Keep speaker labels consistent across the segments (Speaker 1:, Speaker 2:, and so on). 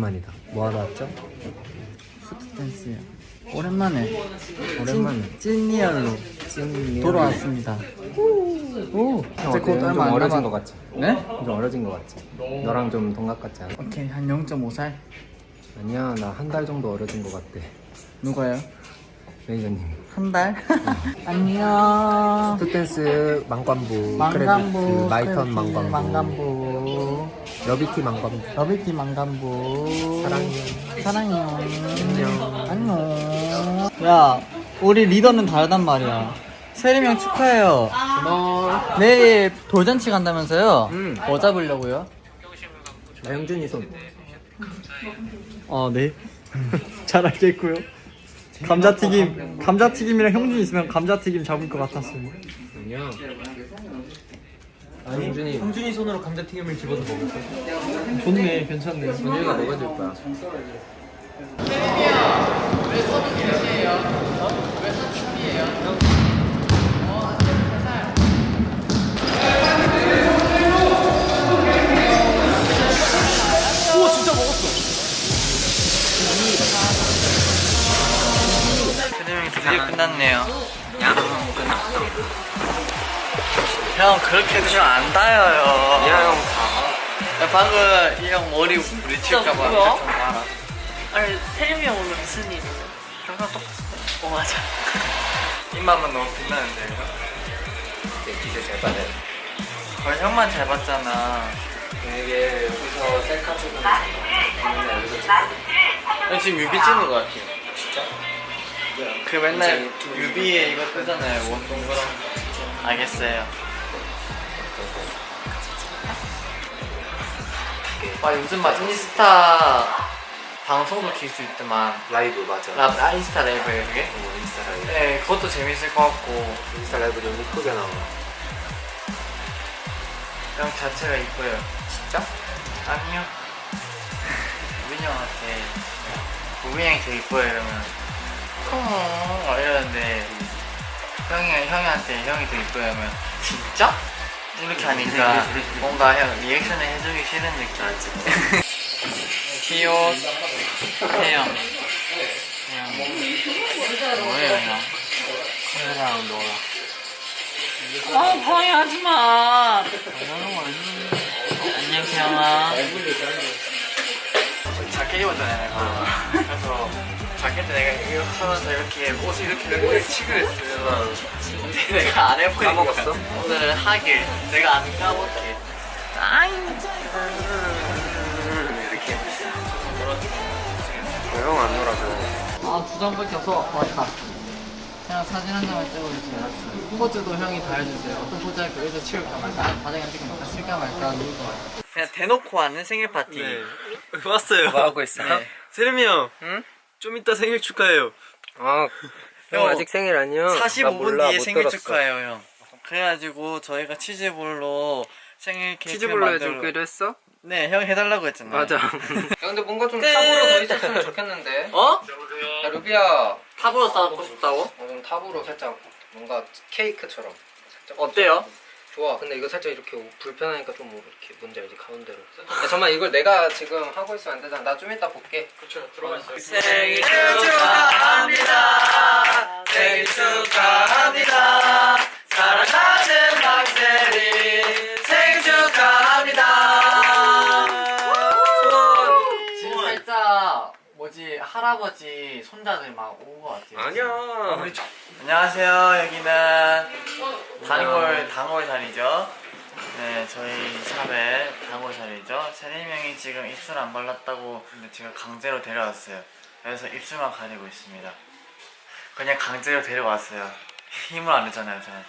Speaker 1: 오랜만이다. 뭐 하러 왔죠?
Speaker 2: 슈트댄스요. 오랜만에
Speaker 1: 오랜만에
Speaker 2: 찐리얼로 돌아왔습니다. 오, 이제 곧
Speaker 1: 좀
Speaker 2: 얼마 안
Speaker 1: 어려진
Speaker 2: 남았.
Speaker 1: 것 같지?
Speaker 2: 네?
Speaker 1: 좀 어려진 것 같지? 너랑 좀 동갑 같지 않아?
Speaker 2: 오케이, 한 0.5살.
Speaker 1: 아니야, 나 한 달 정도 어려진 것 같대.
Speaker 2: 누가요?
Speaker 1: 매니저님.
Speaker 2: 한 달? 안녕.
Speaker 1: 슈트댄스 망관부,
Speaker 2: 망간부,
Speaker 1: 크레디트, 마이턴
Speaker 2: 크레디트,
Speaker 1: 망관부,
Speaker 2: 망간부,
Speaker 1: 러비티 망관부.
Speaker 2: 러비티 망간부.
Speaker 1: 사랑해요.
Speaker 2: 사랑해요. 안녕. 야, 우리 리더는 다르단 말이야. 세림이 형 축하해요.
Speaker 1: 고마워.
Speaker 2: 내일 돌잔치 간다면서요?
Speaker 1: 응.
Speaker 2: 뭐 잡으려고요?
Speaker 1: 나 형준이 손.
Speaker 2: 네. 잘 알겠고요. 감자튀김이랑 형준이 있으면 감자튀김 잡을 것 같았어요.
Speaker 1: 아니야. 아니, 형준이 손으로 감자튀김을 집어서 먹을게.
Speaker 2: 좋네, 괜찮네.
Speaker 1: 준이가 먹어줄 거야.
Speaker 2: 세림이 드디어 끝났네요.
Speaker 1: 야, 끝났어.
Speaker 2: 형 그렇게 해주면 안 닿아요.
Speaker 1: 야, 형.
Speaker 2: 야, 방금 이 형 머리 부딪힐까봐
Speaker 3: 뭐야?
Speaker 2: 좀 알아.
Speaker 3: 아니 세림이 형 오늘 무슨 일이야?
Speaker 2: 항상 똑같아.
Speaker 3: 맞아.
Speaker 2: 입맛만 너무 빛나는데 이거?
Speaker 1: 내 기세 잘 받아.
Speaker 2: 거의 형만 잘 봤잖아.
Speaker 1: 이게 여기서 셀카 찍으면 맨날 여기서 찍고.
Speaker 2: 형 지금 뮤비 찍는 거 같아요.
Speaker 1: 진짜?
Speaker 2: 그 맨날 뮤비에 이거 뜨잖아요. 원동그랑. 알겠어요. 와 요즘 막 인스타 방송도 킬 수 있더만.
Speaker 1: 라이브 맞아.
Speaker 2: 인스타 라이브예요 그게?
Speaker 1: 인스타 라이브.
Speaker 2: 네 그것도 재밌을 것 같고
Speaker 1: 인스타 라이브 좀 이쁘게 나와.
Speaker 2: 형 자체가 이뻐요.
Speaker 1: 진짜?
Speaker 2: 아니요. 우빈이 형한테 우빈이 형이 되게 이뻐요 이러면 콩 이러는데 형한테 형이 되게 이뻐요 하면 진짜? 이렇게 하니까 뭔가 형 리액션을 해주기 싫은 느낌 알지? 귀여워 태영 뭐예요 형? 카메라랑 놀아
Speaker 3: 방해하지마.
Speaker 2: 안녕 태영아. 자켓 입었잖아요 내가. 그래서 자켓 때 내가 이거 하면서 이렇게 옷을 이렇게 치고 했어요. 근데 내가 안 해보니까
Speaker 1: 까먹었어?
Speaker 2: 오늘은 하길 내가 안 까먹게 이렇게
Speaker 1: 형 안 놀아줘.
Speaker 2: 두 장밖에 없어. 맞다. 그냥 사진 한 장만 찍어주세요. 포즈도 형이 다 해주세요. 어떤 포즈 할까? 여기서 치울까 말까? 바닥에 찍을까 말까? 쓸까 말까? 그냥 대놓고 하는 생일 파티.
Speaker 4: 네. 왔어요.
Speaker 1: 뭐 하고 있어요?
Speaker 2: 네.
Speaker 4: 세림이 형,
Speaker 1: 응?
Speaker 4: 좀 이따 생일 축하해요.
Speaker 1: 아, 형 아직 생일 아니야?
Speaker 2: 45분 뒤에
Speaker 1: 못
Speaker 2: 생일
Speaker 1: 들었어.
Speaker 2: 축하해요, 형. 그래가지고 저희가 치즈볼로 생일 케이크
Speaker 1: 치즈볼로
Speaker 2: 만들어.
Speaker 1: 해주기로 했어?
Speaker 2: 네, 형 해달라고 했잖아요.
Speaker 1: 맞아. 야, 근데 뭔가 좀 탑으로 더 있었으면 좋겠는데.
Speaker 2: 어?
Speaker 1: 야, 루비야.
Speaker 2: 탑으로 쌓고 싶다고?
Speaker 1: 좀 탑으로 살짝 뭔가 케이크처럼. 살짝
Speaker 2: 어때요?
Speaker 1: 좋아. 근데 이거 살짝 이렇게 불편하니까 좀 이렇게 뭔지 알지? 가운데로. 야, 잠깐만 이걸 내가 지금 하고 있으면 안 되잖아. 나 좀 이따 볼게.
Speaker 2: 그쵸, 들어가 있어요.
Speaker 3: 생일 축하합니다.
Speaker 2: 생일 축하합니다. 사랑하는 박세리 생일 축하합니다. 지금 살짝 뭐지 할아버지 손자들 막 온 것 같아요.
Speaker 1: 아니야.
Speaker 2: 안녕하세요. 여기는 단골 자리죠. 네, 저희 샵의 단골 자리죠. 세림 형이 지금 입술 안 발랐다고 근데 제가 강제로 데려왔어요. 그래서 입술만 가리고 있습니다. 그냥 강제로 데려왔어요. 힘을 안 줬잖아요 저한테.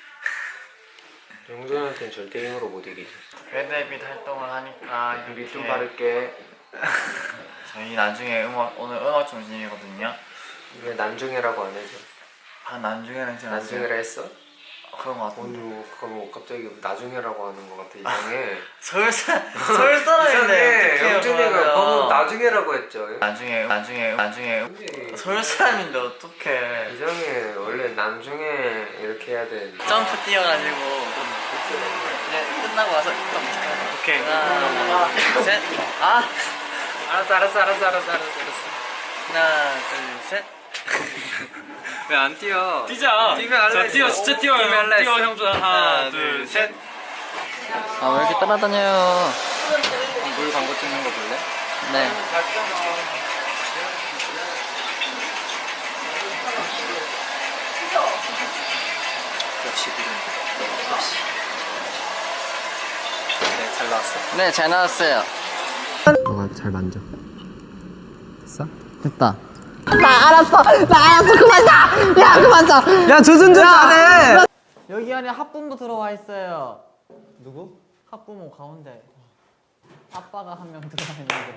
Speaker 1: 영준한테는 절대 힘으로 못 이기지.
Speaker 2: 레드햇빛 활동을 하니까
Speaker 1: 밑 좀
Speaker 2: 이렇게
Speaker 1: 바를게.
Speaker 2: 저희 나중에 오늘 음악 중심이거든요.
Speaker 1: 왜 난중이라고 안 해줘?
Speaker 2: 나중에는 제가
Speaker 1: 난중이라 했어?
Speaker 2: 그런 것 같은데.
Speaker 1: 오늘 뭐 그거 뭐 갑자기 나중이라고 하는 것 같아. 이상해.
Speaker 2: 서울 사람인데
Speaker 1: 이상해. 영준이가 방금 나중이라고 했죠.
Speaker 2: 나중에 서울 사람인데 어떡해.
Speaker 1: 이상해. 원래 나중에 이렇게 해야 돼.
Speaker 2: 점프 뛰어가지고 이제 끝나고 와서 오케이 하나 둘셋
Speaker 1: 알았어.
Speaker 2: 하나, 둘, 셋.
Speaker 1: 왜 안 뛰어?
Speaker 4: 뛰자.
Speaker 1: 뛰면 할래.
Speaker 4: 뛰어, 진짜 뛰어요.
Speaker 1: 뛰면 할래.
Speaker 4: 뛰어, 형준아. 하나, 둘, 셋.
Speaker 2: 아, 왜 이렇게 따라다녀요?
Speaker 1: 물 광고 찍는 거 볼래?
Speaker 2: 네.
Speaker 1: 역시 그림. 네, 잘 나왔어.
Speaker 2: 네, 잘 나왔어요.
Speaker 1: 너가 잘 만져. 됐어?
Speaker 2: 됐다.
Speaker 5: 나 알았어 그만 자! 야 그만 자!
Speaker 1: 야, 조준준 잘해.
Speaker 2: 여기 안에 학부모 들어와 있어요. 누구? 학부모 가운데. 아빠가 한 명 들어와 있는데.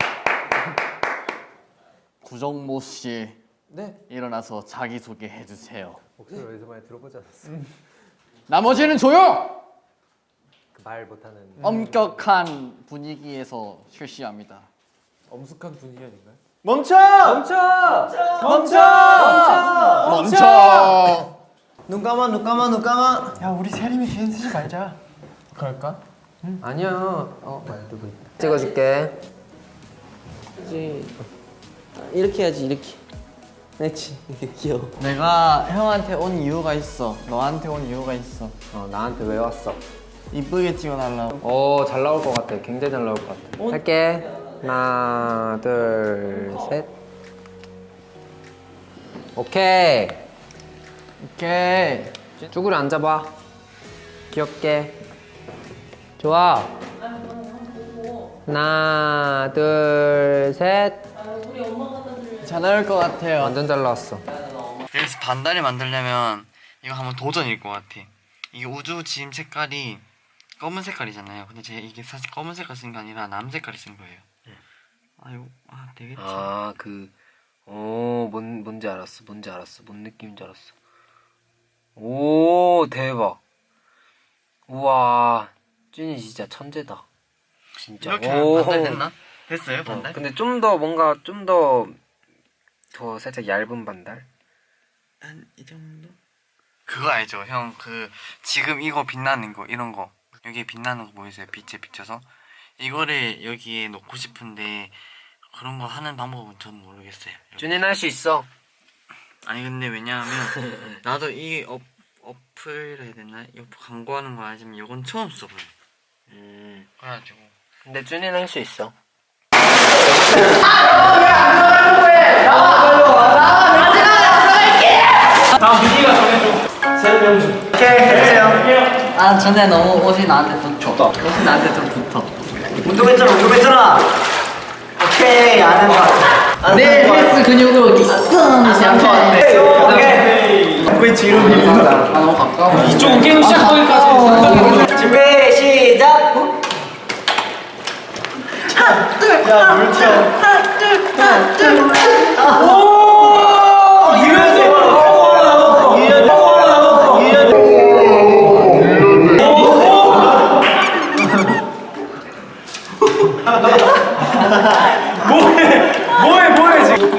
Speaker 2: 구정모 씨. 네. 일어나서 자기 소개 해주세요.
Speaker 6: 목소리 어디서 많이 들어보지 않았어?
Speaker 2: 나머지는 조용.
Speaker 6: 그 말 못하는
Speaker 2: 엄격한 분위기에서 실시합니다.
Speaker 6: 엄숙한 분위기 아닌가요?
Speaker 2: 멈춰!
Speaker 6: 눈 감아.
Speaker 2: 야, 우리 세림이 개인 쓰지 말자. 그럴까?
Speaker 6: 아니야. 말도 못.
Speaker 1: 찍어줄게.
Speaker 5: 이렇게 해야지 이렇게. 그렇지 이게 귀여워.
Speaker 2: 내가 형한테 온 이유가 있어. 너한테 온 이유가 있어.
Speaker 1: 나한테 왜 왔어?
Speaker 2: 이쁘게 찍어달라고.
Speaker 1: 잘 나올 것 같아. 굉장히 잘 나올 것 같아. 할게. 하나, 둘, 셋. 오케이.
Speaker 2: 오케이.
Speaker 1: 쭈그려 앉아봐. 귀엽게. 좋아. 하나, 둘, 셋.
Speaker 2: 잘 나올 것 같아요.
Speaker 1: 완전 잘 나왔어.
Speaker 2: 그래서 반달이 만들려면 이거 한번 도전일 것 같아. 이게 우주 지임 색깔이 검은 색깔이잖아요. 근데 제가 이게 사실 검은 색깔 쓴 게 아니라 남 색깔을 쓴 거예요. 되겠지.
Speaker 1: 뭔지 알았어. 뭔 느낌인지 알았어. 오, 대박. 우와, 쭈니 진짜 천재다. 진짜.
Speaker 2: 이렇게 하면 반달 됐나? 됐어요, 반달?
Speaker 1: 근데 좀 더 뭔가 더 살짝 얇은 반달?
Speaker 2: 한 이 정도? 그거 알죠, 형. 지금 이거 빛나는 거, 이런 거. 여기에 빛나는 거 보이세요? 빛에 비춰서. 이거를 여기에 놓고 싶은데 그런 거 하는 방법은 전 모르겠어요.
Speaker 1: 쭈니는 할 수 있어.
Speaker 2: 아니 근데 왜냐하면 나도 이 어플 해야 되나? 이 어플 광고하는 거 알지만 이건 처음 써봐요. 그래가지고.
Speaker 1: 근데 쭈니는 할 수 있어.
Speaker 2: 아 전에 너무 옷이 나한테 붙어. 옷이 나한테 좀 붙어.
Speaker 5: 운동했잖아. 오케이 안 한다. 내 헬스 근육으로 딕슨 시작해. 오케이. 왜 뒤로 밀린다? 아 너무 가까워.
Speaker 4: 이쪽은 게임 시작 거기까지.
Speaker 5: 준비 시작.
Speaker 4: 뭐해 지금.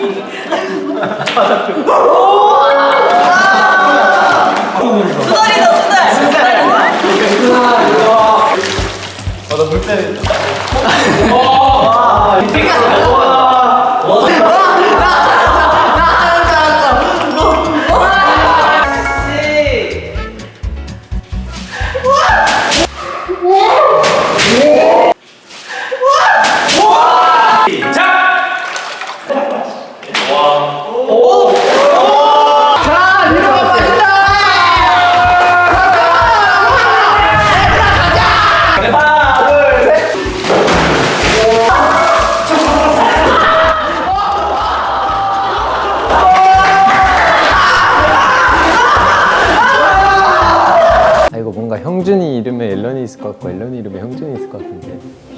Speaker 6: 이거 뭔가 형준이 이름에 앨런이 있을 것 같고 앨런이 이름에 형준이 있을 것 같은데.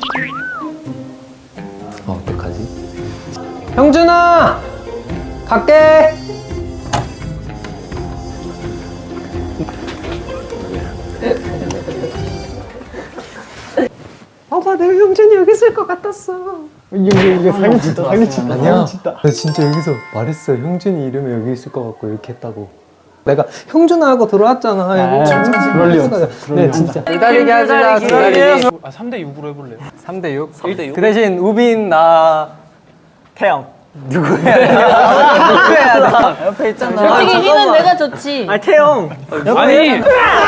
Speaker 6: 어떡하지? 형준아! 갈게! 아빠 내가 형준이 여기 있을 것 같았어. 이거 사기치다. 아니야. 나 진짜 여기서 말했어. 형준이 이름에 여기 있을 것 같고 이렇게 했다고. 내가 형준아 하고 들어왔잖아. 그럴 리 없어. 네 진짜. 기다리게 하자. 기다리기.
Speaker 4: 3대 6으로 해볼래요?
Speaker 6: 3대 6? 3대 6? 그 대신 우빈 나
Speaker 5: 태영. 누구야? 나 옆에 있잖아.
Speaker 3: 솔직히 힘은 내가 좋지.
Speaker 5: 아 태영.
Speaker 4: 아니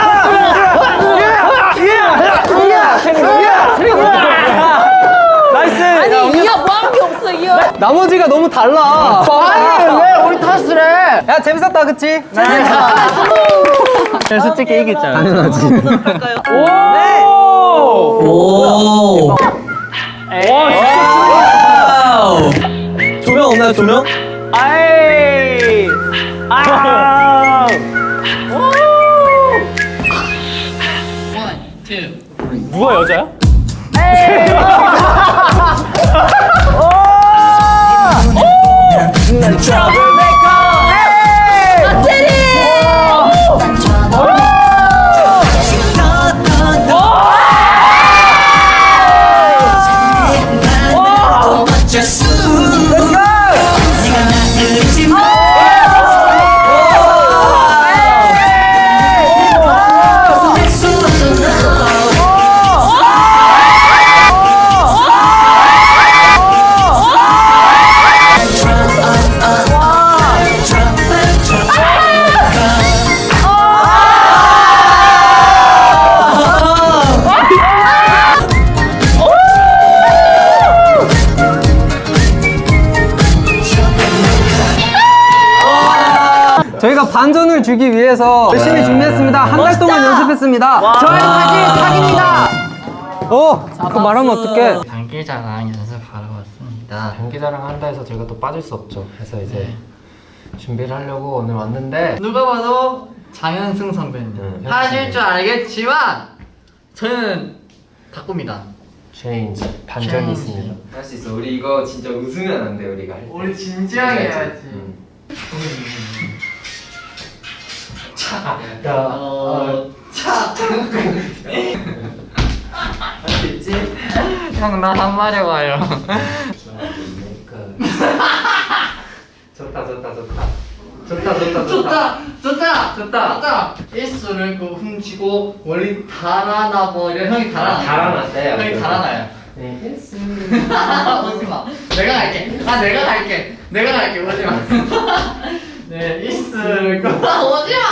Speaker 5: 나이스.
Speaker 3: 아니 이어 뭐한 게 없어 이어.
Speaker 6: 나머지가 너무 달라.
Speaker 5: 아니 왜 우리 탓을 해?
Speaker 6: 야 재밌었다, 그치?
Speaker 5: 솔직히 이겼잖아.
Speaker 6: 당연하지.
Speaker 5: 조명 없나요, 조명? 아이! 아!
Speaker 4: 누가 여자야?
Speaker 6: 저희가 반전을 주기 위해서 열심히 준비했습니다. 한 달 동안 연습했습니다. 저희 사진 사기입니다. 그거 말하면 어떡해?
Speaker 5: 장기자랑 연습하러 왔습니다.
Speaker 6: 장기자랑 한다 해서 저희가 또 빠질 수 없죠. 그래서 이제 준비를 하려고 오늘 왔는데
Speaker 5: 누가 봐도 장현승 선배님. 하실 줄 알겠지만 저는 닭굽니다.
Speaker 6: 체인지 반전이 있습니다. 할 수 있어. 우리 이거 진짜 웃으면 안 돼. 우리가 할 때.
Speaker 5: 우리 진지하게 해야지. 할 수 있지? 형 나 한 마리 와요.
Speaker 6: 좋다.
Speaker 5: 좋다. 일수를 그 훔치고 멀리 달아나 버려. 형이
Speaker 6: 달아났대.
Speaker 5: 형이 달아나요. 오지마. 내가 갈게. 오지마. 네, 일수를 오지마.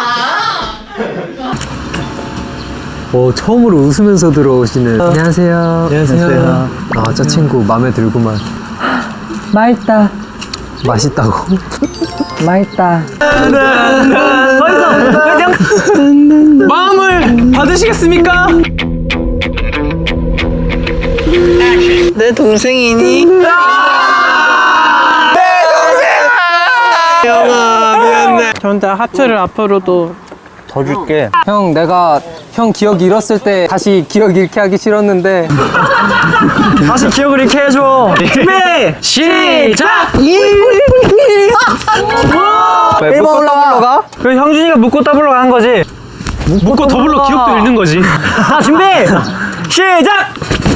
Speaker 6: 처음으로 웃으면서 들어오시는. 안녕하세요. 저 친구 마음에 들구만. 맛있다. 맛있다고? 맛있다.
Speaker 4: 마음을 받으시겠습니까?
Speaker 5: 내 동생이니?
Speaker 3: 저한테 하트를 앞으로도
Speaker 5: 더 줄게.
Speaker 6: 형, 내가 형 기억 잃었을 때 다시 기억 잃게 하기 싫었는데.
Speaker 5: 다시 기억을 잃게 해줘. 준비 시작. 1번 올라가.
Speaker 4: 그 형준이가 묻고 더블로 간 거지. 묻고 더블로 기억도 잃는 거지.
Speaker 5: 자 준비 시작.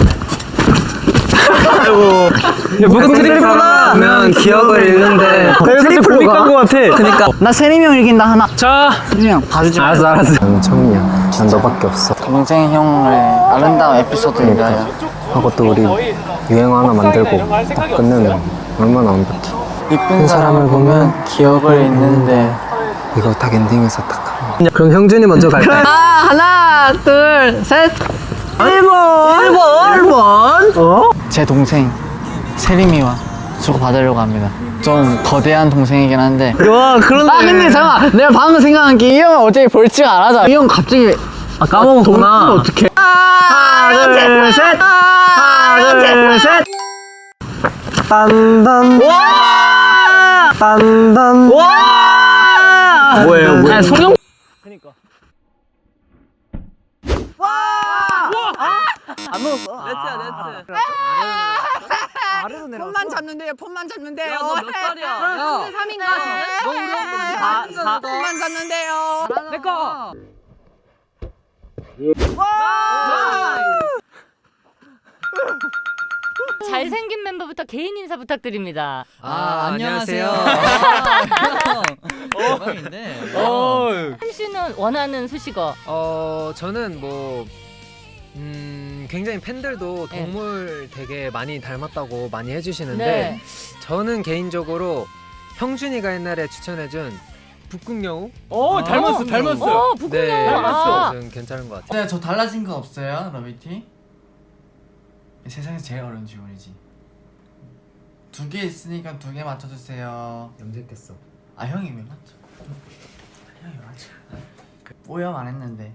Speaker 6: 무슨 트리플로가 하면 기억을 잃는데.
Speaker 4: 트리플로 간거 같아.
Speaker 5: 그니까 나 세림이 형 이긴다 하나.
Speaker 4: 자,
Speaker 5: 세림이 형 봐주지 마.
Speaker 6: 알았어. 정이야. 난 너밖에 없어.
Speaker 5: 동생 형을 아름다운 에피소드인가요?
Speaker 6: 하고 또 우리 유행어 하나 만들고 딱 끝내면 얼마나 완벽해.
Speaker 5: 이쁜 사람을 보면 기억을 잃는데.
Speaker 6: 이거 딱 엔딩에서 딱 하면. 그럼 형준이 먼저 갈까?
Speaker 5: 하나 둘 셋. 1번. 제 동생 세림이와 주고 받으려고 합니다. 좀 거대한 동생이긴 한데. 와 그런데. 근데 잠깐 내가 방금 생각한 게 이 형은 어차피 벌칙 안 하자. 이 형 갑자기 까먹었구나. 어떡해. 하나 둘 셋.
Speaker 6: 딴딴.
Speaker 5: 와.
Speaker 6: 딴딴.
Speaker 5: 와.
Speaker 4: 뭐예요?
Speaker 3: 아니 송영
Speaker 7: 폰만 잡는데요. 폰만 잡는데요.
Speaker 3: 너 몇 살이야? 야 3인가? 너 우리 형보다
Speaker 7: 폰만 잡는데요.
Speaker 3: 내꺼
Speaker 8: 잘생긴 멤버부터 개인 인사 부탁드립니다.
Speaker 5: 안녕하세요. 대박인데.
Speaker 8: 한 씨는 원하는 수식어.
Speaker 6: 저는 뭐 굉장히 팬들도
Speaker 8: 네.
Speaker 6: 동물 되게 많이 닮았다고 많이 해주시는데
Speaker 8: 네.
Speaker 6: 저는 개인적으로 형준이가 옛날에 추천해준 북극여우?
Speaker 8: 닮았어요. 북극여우.
Speaker 6: 네,
Speaker 8: 아.
Speaker 6: 좀 괜찮은 것 같아요.
Speaker 2: 네, 저 달라진 거 없어요, 러비티? 세상에서 제일 어려운 질문이지. 2개 있으니까 2개 맞춰주세요.
Speaker 6: 염색했어.
Speaker 2: 아, 형이 왜 맞죠? 형이 맞죠. 오염 안 했는데.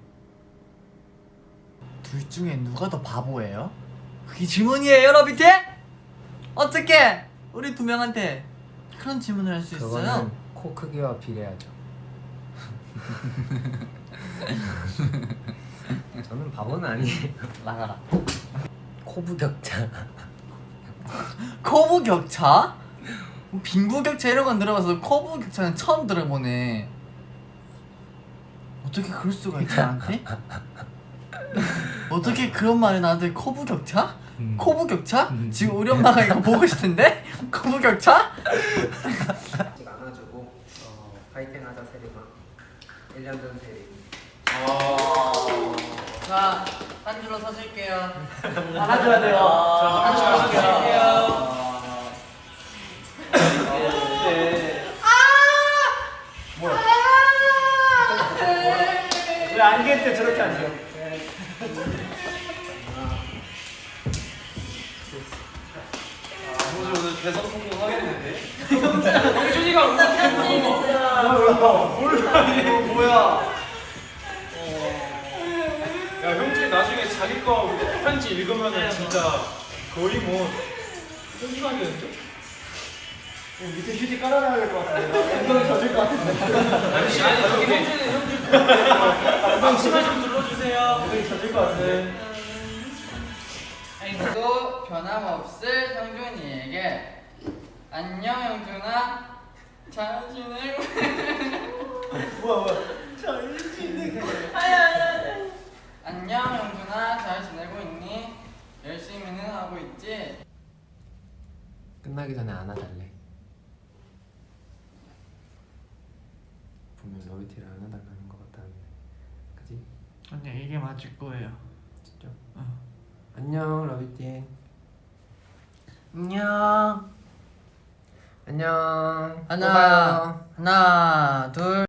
Speaker 2: 둘 중에 누가 더 바보예요? 그게 질문이에요, 러비티? 어떻게 우리 2명한테 그런 질문을 할 수 있어요?
Speaker 6: 그거는 코 크기와 비례하죠. 저는 바보는 아니에요.
Speaker 2: 나가라.
Speaker 6: 코부격자.
Speaker 2: 코부격차? 빈부격차 이런 건 들어봐서 코부격차는 처음 들어보네. 어떻게 그럴 수가 있지 나한테? 어떻게 그런 말을 나한테 코부격차? 코부격차? 지금 우리 엄마가 이거 보고 있을 텐데? 코부격차?
Speaker 6: 아직 안아주고 파이팅 하자 세리마. 1년 전 세리.
Speaker 2: 자, 한 줄로 서실게요. 안아줘야 돼요. 한 줄로 서실게요.
Speaker 4: 왜 안개 때 저렇게 앉아?
Speaker 9: 야 형준이 나중에 자기 거 편지 읽으면은 진짜 거의 뭐 편집하겠는데?
Speaker 4: 밑에 휴지 깔아놔야 될 것 같은데. 엉덩이 젖을 것 같은데.
Speaker 9: 아니 형준이 엉덩이 치마 좀 눌러주세요.
Speaker 4: 엉덩이 젖을 것 같은데.
Speaker 2: 또 변함없을 형준이에게 안녕 형준아 잘 지내고
Speaker 4: 잘 지내고.
Speaker 2: 안녕 형준아 잘 지내고 있니? 열심히는 하고 있지?
Speaker 6: 끝나기 전에 안아달래. 분명 러비티를 안아달라는 것 같다는데, 그지?
Speaker 2: 아니 이게 맞을 거예요.
Speaker 6: 진짜? 안녕 러비티.
Speaker 2: 안녕
Speaker 6: 안녕. 또
Speaker 2: 하나
Speaker 6: 봐요.
Speaker 2: 하나 둘